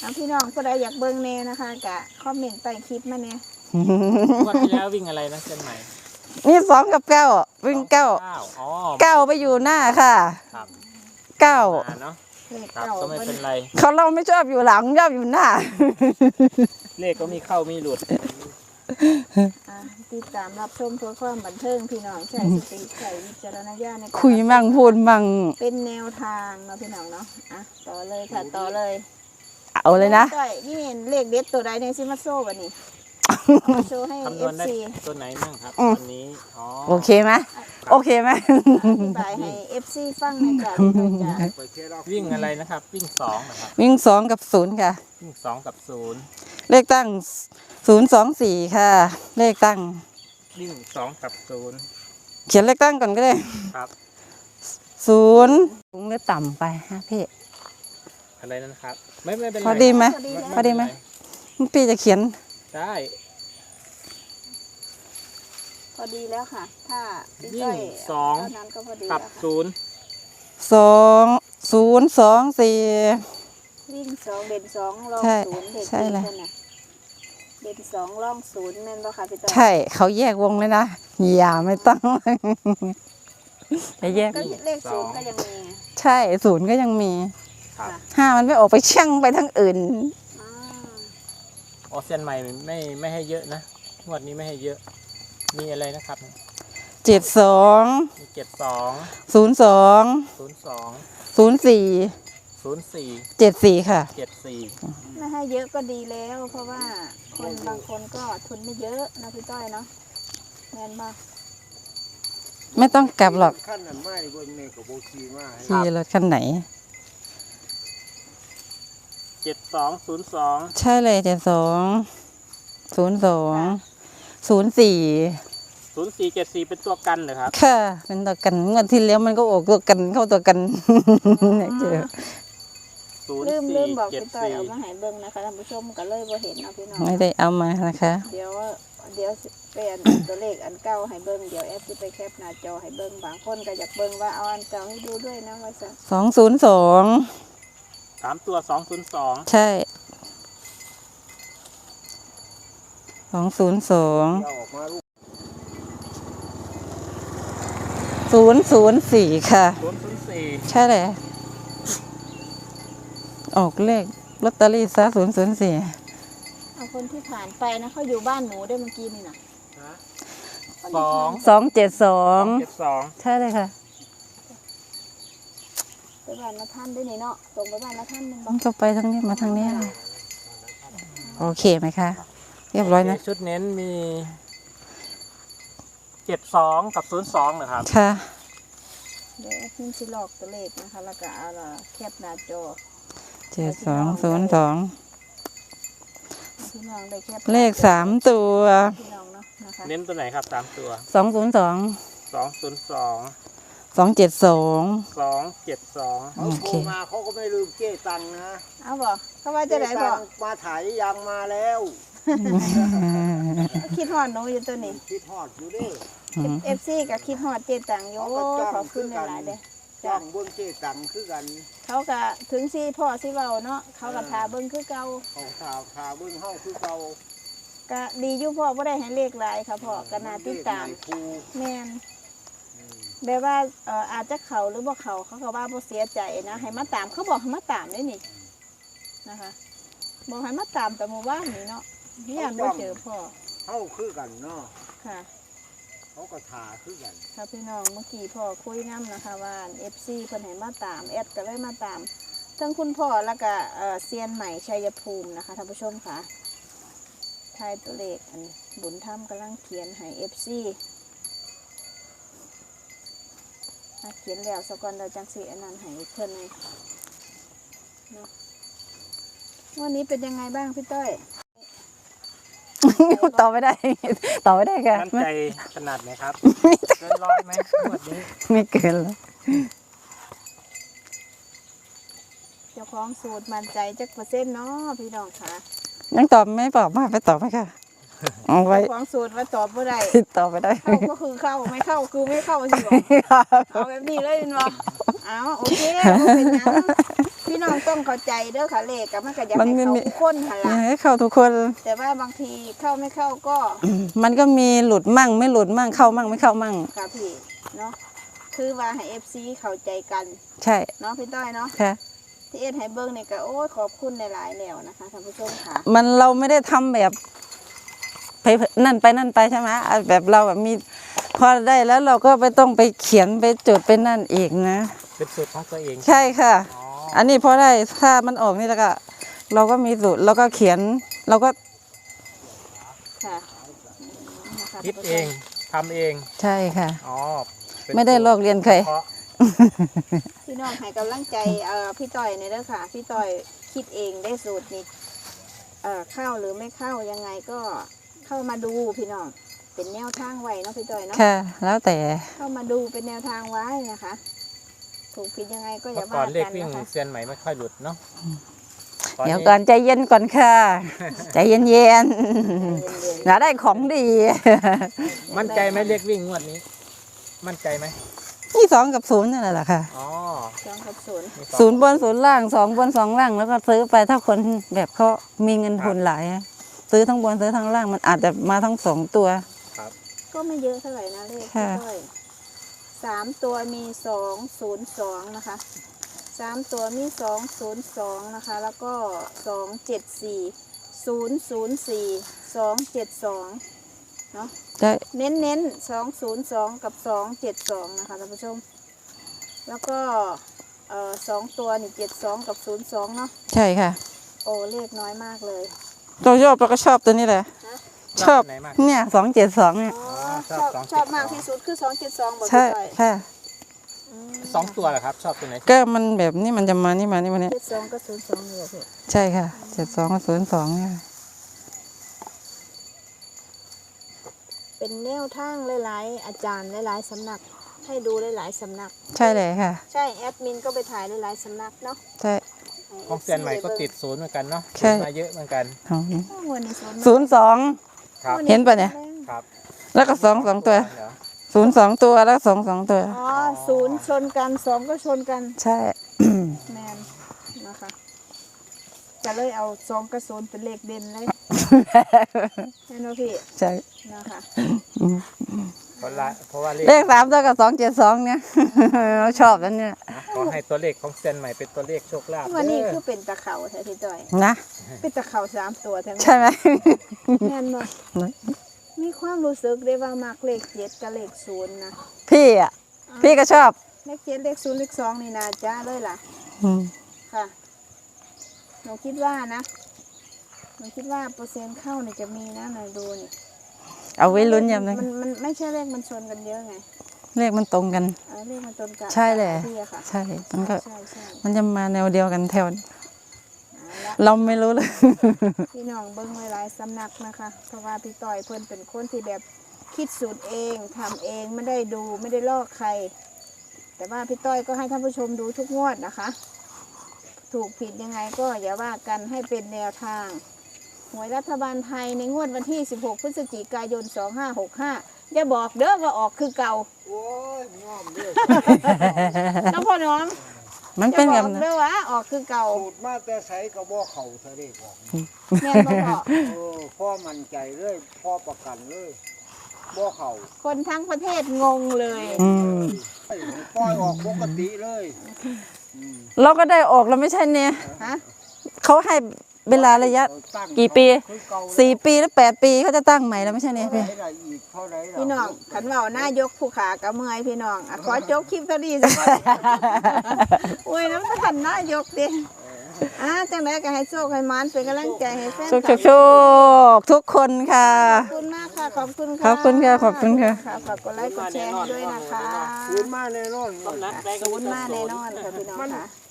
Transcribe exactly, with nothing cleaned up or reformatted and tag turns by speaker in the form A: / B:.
A: พี่น้องผู้ใดอยากเบิ่งแน่นะคะกะคอมเมนต์ใต้คลิปมาเนี่ย
B: งวดที่แล้ววิ่งอะไรนะเส้นใหม่
C: นี่สองกับเก้าวิ่งเก้าเก้าไปอยู่หน้าค่ะเก้า
B: เนาะครับก็ไม่เป็นไร
C: เขาเราไม่ชอบอยู่หลังชอบอยู่หน้า
B: เลขก็มีเข้ามีหลุด
A: ติดตามรับชมเพื่อความบันเทิงพี่น้องใช้สติใช้วิจารณญาณในการ
C: คุยมั่งพูดมั่ง
A: เป็นแนวทางเนาะพี่น้องเนาะอ่ะต่อเลยค่ะต่อเลย
C: เอาเลยนะ
A: นี่เห็นเลขเด็ดตัวใดในซิมาโซ่วันนี้โชว์ให้เอฟซี
B: ตัวไหนบ้างครับวันนี้
C: โอเคไหมโอเคไหม
A: อธิบายให้เอฟซีฟังในการ
B: วิ่งอะไรนะครับวิ่งสองนะครับ
C: วิ่งสองกับศูนย์ค่ะ
B: วิ่งสองกับศูนย์
C: เลขตั้งศูนย์สองสี่ค่ะเลขตั้ง
B: วิ่งสองกับศูนย์
C: เขียนเลขตั้งก่อนก็ได้
B: ครับ
C: ศูนย์สูงหรือต่ำไปฮะพี่
B: อะไรนั่นครับไม่ไม่เป็นไร
C: พอดีไหมพอดีไหมพี่จะเขียน
B: ได้
A: พอดีแล้วค่ะถ้า
B: วิ่งสองกับศูนย์
C: สองศูนย์สองสี่
A: วิ่งสองเด่นสองลองศูนย์เด่นสี่เด่นสองลองศูนย์แม่นบ่ค่ะพี่ต้อย
C: ใช่เขาแยกวงเลยนะอย่าไม่ต้อง
A: จะแยกเลขศูนย์ก็ยังมี
C: ใช่ศูนย์ก็ยังมีห้ามันไม่ออกไปช่างไปทั้งอื่น
B: ออเซียนใหม่ไม่ไม่ให้เยอะนะงวดนี้ไม่ให้เยอะมีอะไรนะครับ
C: เจ็ดสอง
B: มีเจ็ดสอง
C: ศูนย์สอง
B: ศูนย์สอง
C: ศูนย์สี่
B: ศูนย์สี่
C: เจ็ดสี่ค่ะ
B: เจ็ดสี่
A: ไม่ให้เยอะก็ดีแล้วเพราะว่าคนบางคนก็ทุนไม่เยอะนะพี่ต้อยเนาะแม่นบ่
C: ไม่ต้องกลับหรอก
D: ขั้นนั้นไม่บนเมฆกับโบชีมา
C: ขี่รถคันไหน
B: เจ็ดสองศูนย์สอง
C: ใช่เลยเจ็ดสองศูนย์สองศูนย์สี่
B: ศูนย์สี่เจ็ดสี่เป็นตัวกันเหรอครับ
C: ค่ะเป็นตัวกันเงินที่แล้วมันก็ออกตัวกันเข้าตัวกันเจอ
A: ลืมลืมบอกพี่ต้อยเอามาให้เบิ้งนะคะท่านผู้ชมก็เลยบ่เห็นนะพี่น้อง
C: ไม่ได้เอามานะคะ
A: เดี๋ยวเดี๋ยวเป็นตัวเลขอันเก่าให้เบิ้งเดี๋ยวแอปจะไปแคปหน้าจอให้เบิ้งบางคนก็อยากเบิ้งว่าเอาอันเก่าให้ดูด้วยนะว่าจะ
C: สองศูนย์สอง
B: สามตัวสองศูนย์สอง
C: ใช่สองศูนย์สองศูนย์ศูนย์สี่ค่ะ
B: ศูนย์ศูนย์สี่
C: ใช่เลยออกเลขลอตเตอรี่ซะศูนย์ศูนย์สี่
A: เอาคนที่ผ่านไปนะเขาอยู่บ้านหนูได้เมื่อกี้นี่นะ
B: สอง
C: สองเจ็ดสอง
B: เจ็ดสอง
C: ใช่เลยค่ะ
A: ไปบ้านละท่านได้นี่เนาะตรงไปบ้านละท่านนึง
C: ต้องไปทางนี้มาทางนี้โอเคไหมคะเรียบร้อยนะ
B: ชุดเน้นมีเจ็ดสองกับศูนย์สองนะครับ
C: ค่ะ
A: เดี๋ยวพิมพ์สิลอกตัวเลขนะคะแล้วก็เอาละแคปหน้าจอ
C: เจ็ดสองศูนย์สองเลขสามตัว
B: เน้นตัวไหนครับสามตัว
C: สองศูนย์สอง
B: สองศูนย์สอง
C: สองเจ็ดสอง
B: สองเจ็ดสอง
D: เขาโทรมาเขาก็ไม่ลืมเจ๊ตังนะ
A: เอาบอกเขาว่าจะไหนบอก
D: มาถ่ายยังมาแล้ว
A: คิดฮอดหนูอยู่ตัวนี้
D: คิดฮอดอยู่ดิ
A: เอฟซีกับคิดฮอดเจ๊ตังอยู่ขอบคุณหลายเด้
D: จ้างเบิ้งเจ๊ตังคือกัน
A: เขาก็ถึงซีพ่อซีเบาเนาะเขาก็ทาเบิ้งคือเก่า
D: เขาทาทาเบิ้งเฮาคือเก่า
A: ก็ดีอยู่พ่อบ่ได้ให้เลขหลายค่ะพ่อก็น่าติดตามแม่นแบบว่าเอ่ออาจจะเขาหรือบ่เขาเขาก็ว่าบ่เสียใจนะให้มาตามเขาบอกให้มาตามได้นี่นะคะบอกให้มาตามแต่เมื่อวานนี่เนาะพี่อันบ่เจอพ่อ
D: เฮาคือกันเนาะ
A: ค่ะ
D: เขาก็ทาคือกัน
A: ค่ะพี่น้องเมื่อกี้พ่อคุยน้ำนะคะว่า เอฟ ซี เพิ่นให้มาตามแอดก็เลยมาตามทั้งคุณพ่อแล้วก็เอ่อเซียนใหม่ชัยภูมินะคะท่านผู้ชมค่ะทายตัวเลขอันบุญธรรมกำลังเขียนให้ เอฟ ซีเขียนแล้วสกอนเราจังสีอันนั้นให้เพิ่นเลยเนาะวันนี้เป็นยังไงบ้างพี่ต้อย
C: ต่อไม่ได้ต่อไม่ได้ค่ะ
B: มั่นใจขนาดไหนครับเกินร้อยไหมวันนี้
C: ไม่เกินแล้ว
A: เจ้าของสูตรมั่นใจจักเปอร์เซ็นต์เนาะพี่น้องค่ะ
C: ยังตอบไม่ตอบมาไปตอบไหมค่ะเอาไว้
A: เจ้าของสูตรว่าตอบไม่ได้
C: ตอบไม่ได้
A: เข้าก็คือเข้าไม่เข้าคือไม่เข้าสิบอกเอาแบบนี้เลยเนาะเอาโอเคเป็นยังพี่พี่น้องต้องเข้าใจเด้อค่ะเลขกับมันก็อยาก
C: มัน
A: ให้
C: ไม่
A: เขา
C: มี
A: ทุกคนหัน
C: อยา
A: ละ
C: กให้เข้าทุกคน
A: แต่ว่าบางทีเข้าไม่เข้าก็
C: มันก็มีหลุดมั่งไม่หลุดมั่งเข้ามั่งไม่เข้ามั่ง
A: ค่ะพี่เนาะคือว่าให้ เอฟ ซี เข้าใจกัน
C: ใช่
A: เนาะพี่ต้อยเนาะ
C: ค่ะ
A: ที่เอ็ดให้เบิ้งเนี่ยก็โอ้ยขอบคุณหลายๆแล้วนะคะท่านผู้ชมค่ะ
C: มันเราไม่ได้ทำแบบไปนั่นไปนั่นไปใช่ไหมอ่ะแบบเราแบบมีพอได้แล้วเราก็ไปต้องไปเขียนไปจดไปนั่นอีกนะ
B: เป็นสูตรของตัวเอง
C: ใช่ค่ะ
B: อ๋อ
C: อันนี้พอได้ถ้ามันออกนี่แล้วก็ เราก็มีสูตรเราก็เขียนเราก็
A: ค่ะอืมนะคะ
B: คิดเอง ทำเอง
C: ใช่ค่ะ
B: อ๋อเป็น
C: ไม่ได้ลอกเรียนใคร
B: เพราะ
A: พี่น้องให้กำลังใจเอ่อพี่ต้อยในอยเด้อค่ะ พี่ต้อยคิดเองได้สูตรนี้เอ่อเข้าหรือไม่เข้ายังไงก็เข้ามาดูพี่น้องเป็นแนวทางไว้เนาะพี่ต้อยเนาะ
C: ค่ะ แล้วแต่
A: เข้ามาดูเป็นแนวทางไว้นะคะ ถูกผิดยังไงก็อ
B: เมื่
A: ย่า
B: อก่อ
A: ว่าน
B: เลข
A: กัน
B: วิ่ง
A: นะคะ
B: เซียนใหม่ไม่ค่อยหลุดเนาะต
C: เดี๋ยวก่อนใจเย็นก่อนค่ะ ใจเย็นเย็น
A: เย็น
C: ๆอย่าได้ของดี
B: มั่นใจไหมเลขวิ่งงวดนี้ มั่นใจไหม
C: นี่สองกับศูนย์นั่นแหละค่ะ
B: อ๋อ
A: ๆสองกับศูนย์
B: มีสอง
C: ศูนย์บนศูนย์ล่างสองบนสองล่างแล้วก็ซื้อไปถ้าคนแบบเขามีเงินทุนหลายอะซื้อทั้งบนซื้อทั้งล่างมันอาจจะมาทั้งสองตัว
A: ก็ไม่เยอะเท่าไหร่นะเลข
C: ค่ะ
A: พี่ต้อยสามตัวมีสองศูนย์สองนะคะสามตัวมีสองศูนย์สองนะคะ แล้วก็สองเจ็ดสี่ศูนย์ศูนย์สี่สองเจ็ดสองเนาะ
C: ใช่
A: เน้นเน้นสองศูนย์สองกับสองเจ็ดสองนะคะท่านผู้ชม แล้วก็เอ่อสองตัวนี่เจ็ดสองกับศูนย์สองเนาะ
C: ใช่ค่ะ
A: โอ้เลขน้อยมากเลย
C: เราชอบเราก็ชอบตัวนี้แหละ ชอบ
B: ไหนมาก
C: เนี่ยสองเจ็ดสองเนี่ย
A: อ๋อ
B: ช
A: ช
B: อ
A: อ
B: บบ สองเจ็ดสอง
A: ชอบมากที่สุดคือสองเจ็ดสองบอก
C: ใช่
A: พี่ต้อย
C: ค่ะ
A: อืม
B: สองตัวเหรอครับ ชอบตัวไหน
C: ก็มันแบบนี้มันจะมานี่มานี่มาเนี่ย
A: เจ็ดสองกับศูนย์สองนี่แหละพี่
C: ใช่ค่ะเจ็ดสองกับศูนย์สองเนี่ย
A: เป็นแนวทางหลายๆ อาจารย์หลายๆสำนัก ให้ดูหลายๆสำนัก
C: ใช่เลยค่ะ
A: ใช่แอดมินก็ไปถ่ายหลายๆสำนักเนาะ
C: ใช่
B: ของเซียนใหม่ก็ติดศูนย์เหมือนกันเนาะ
C: ใช่
B: ศูนย์มาเยอะเหมือนกัน
C: ของ
A: โอ้วันนี้ศูนย์
C: ศูนย์สอง
B: ครับ
C: เห็นปะเนี่ย
B: ครับ
C: แล้วก็สองสองตัว
B: เหรอ
C: ศูนย์สองตัวแล้วสองสองตัว
A: อ๋อศูนย์ชนกันสองก็ชนกัน
C: ใช่
A: แมนนะคะจะเลยเอาสองกับศูนย์เป็นเลขเด่นเลยแม่นบ่พี่
C: ใช่
A: นะคะ
B: เพราะละเพราะว่าเลข
C: เลขสามตัวกับสองเจ็ดสองเนี่ย เราชอบนั่นเนี่ย
B: ขอให้ตัวเลขของเซียนใหม่เป็นตัวเลขโชคลาภ
A: วันนี้
B: เด้
A: คือเป็นตะเข่าแท้พี่ต้อย
C: นะ
A: เป็นตะเข่าสามตัวทั้ง
C: ใช่ไหม
A: แม่นบ่มีความรู้สึกได้ว่ามักเลขเจ็ดกับเลขศูนย์นะ
C: พี่อ่ะ พี่ก็ชอบ
A: เลขเจ็ดเลขศูนย์เลขสองนี่นาจ้าเลยล่ะ
C: อืม
A: ค่ะหนูคิดว่านะหนูคิดว่าเปอร์เซ็นต์เข้าเนี่ยจะมีนะหน่อยดูนี่
C: เอาไว้ลุ้นยาม
A: มั
C: นั้น
A: นมันไม่ใช่เลขมันชนกันเยอะไง
C: เลขมันตรงกัน
A: เออเลขมันตรงกัน
C: ใช่แหละ
A: พี่อะค่ะ
C: ใช่มันก็
A: ใช่ใช่
C: มันจะมาแนวเดียวกันแถว
A: เอาละ
C: เราไม่รู้เลย
A: พี่น้องเบิ้งไว้หลายสำนักนะคะ เพราะว่าพี่ต่อยเพิ่นเป็นคนที่แบบคิดสูตรเองทำเองไม่ได้ดูไม่ได้ลอกใคร แต่ว่าพี่ต้อยก็ให้ท่านผู้ชมดูทุกงวดนะคะ ถูกผิดยังไงก็อย่าว่ากันให้เป็นแนวทางหวยรัฐบาลไทยในงวดวันที่ สิบหก พฤศจิกายน สองห้าหกห้าอย่าบอกเด้อว่าออกคือเก่า
D: โอ้ยง้อมเด้อ
A: น้องพ่อน้อง
C: มัน
A: อย่า
C: เป็น
A: บ
C: แบ
A: อบ ก
C: นั้น
A: เด้อว่าออกคือเก่า
D: สูตรมาแต่ไสก็บ่เข้าซะเด้บอก
A: แม่นบ่พอ
D: เออพ่อมั่นใจเลยพ่อประกันเลยบ่เข้า
A: คนทั้งประเทศงงเลย
C: อืม
D: ปล่อยออกปกติเลยอืม
C: เราก็ได้ออกแล้วไม่ใช่เนี่ย
A: ฮะ
C: เขาให้เวลาระยะ
D: ตั้ง
C: กี่ปี
D: คือเก่า
C: สี่ปีหรือแปดปีเขาจะตั้งใหม่แล้วไม่ใช่เนี่ย
D: เท่า
C: พี่
D: ไหร่ล่ะอีกเท่าไหร่ล่ะ
A: พี่น้องขันเบาหน้ายกผู้ขากระเมื่อยพี่น้องอะขอจบคลิปเท่านี้สักคน อุ้ยน้ำขันหน้ายกดิอ่าจังไรก็ให้โชคให้มันเป็นกำลังใจให้แฟน
C: โชคโชคโชคทุกคนค่ะ
A: ขอบคุณมากค่ะขอบคุณค่ะ
C: ขอบคุณค่ะขอบคุณค่ะ
A: ฝากกดไลค์กดแชร์ให้ด้วยนะคะ
D: คืนมาแน่นอน
A: ศูนย์มาแน่นอนค่ะพี่น้องค่ะ